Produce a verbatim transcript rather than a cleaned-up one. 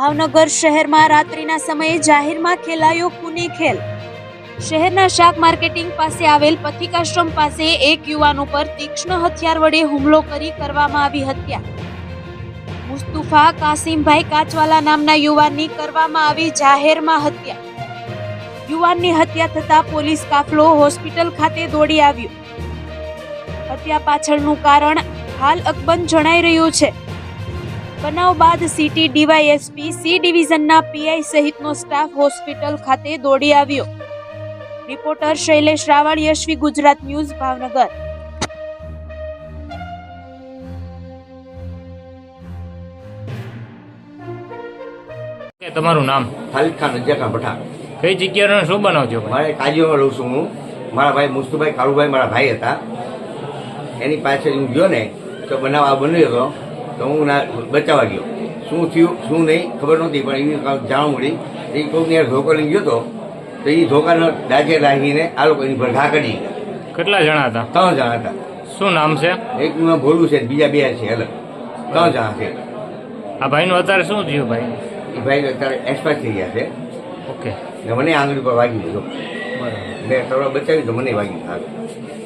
ભાવનગર શહેરમાં રાત્રિના સમયે જાહેરમાં ખેલાયો ખૂની ખેલ। શહેરના શાક માર્કેટિંગ પાસે આવેલ પથિકાશ્રમ પાસે એક યુવાન ઉપર તીક્ષ્ણ હથિયાર વડે હુમલો કરી કરવામાં આવી હત્યા। મુસ્તુફા કાસિમભાઈ કાચવાલા નામના યુવાનની કરવામાં આવી જાહેરમાં હત્યા। યુવાનની હત્યા થતા પોલીસ કાફલો હોસ્પિટલ ખાતે દોડી આવ્યો। હત્યા પાછળનું કારણ હાલ અકબંધ જણાઈ રહ્યું છે। બનાવ બાદ સિટી ડીવાયએસપી સી ડિવિઝનના પીઆઈ સહિતનો સ્ટાફ હોસ્પિટલ ખાતે દોડી આવ્યો। Reporter Shailesh Raval, Yashvi Gujarat news, Bhavnagar. તમારું નામ? ખાલિદ ખાન રજાકા ભઠ્ઠા। કઈ જગ્યાનો શું બનાવ છો? મારે કાજીમાં રહું છું હું। મારા ભાઈ મુસ્તુભાઈ કાળુભાઈ મારા ભાઈ હતા। એની પાસે હું ગયો ને તો બનાવ આ બન્યો હતો તો હું ના બચાવવા ગયો। શું થયું શું નહીં ખબર નહોતી, પણ એની જાણ મળી એ કોઈકની યાર ધોકો લઈને ગયો હતો તો એ ધોકાનો ડાજે લાગીને આ લોકો એની પર ઘા કરી ગયા। કેટલા જણા હતા? ત્રણ જણા હતા। શું નામ છે? એકનું ભોલું છે, બીજા બે છે અલગ, ત્રણ જણા છે। આ ભાઈનું અત્યારે શું થયું? ભાઈ એ ભાઈ અત્યારે એક્સપાયર થઈ ગયા છે। ઓકે, ને મને આંગળી પર વાગી દીધો, બરાબર। મેં થોડો બચાવી તો મને વાગી આગળ।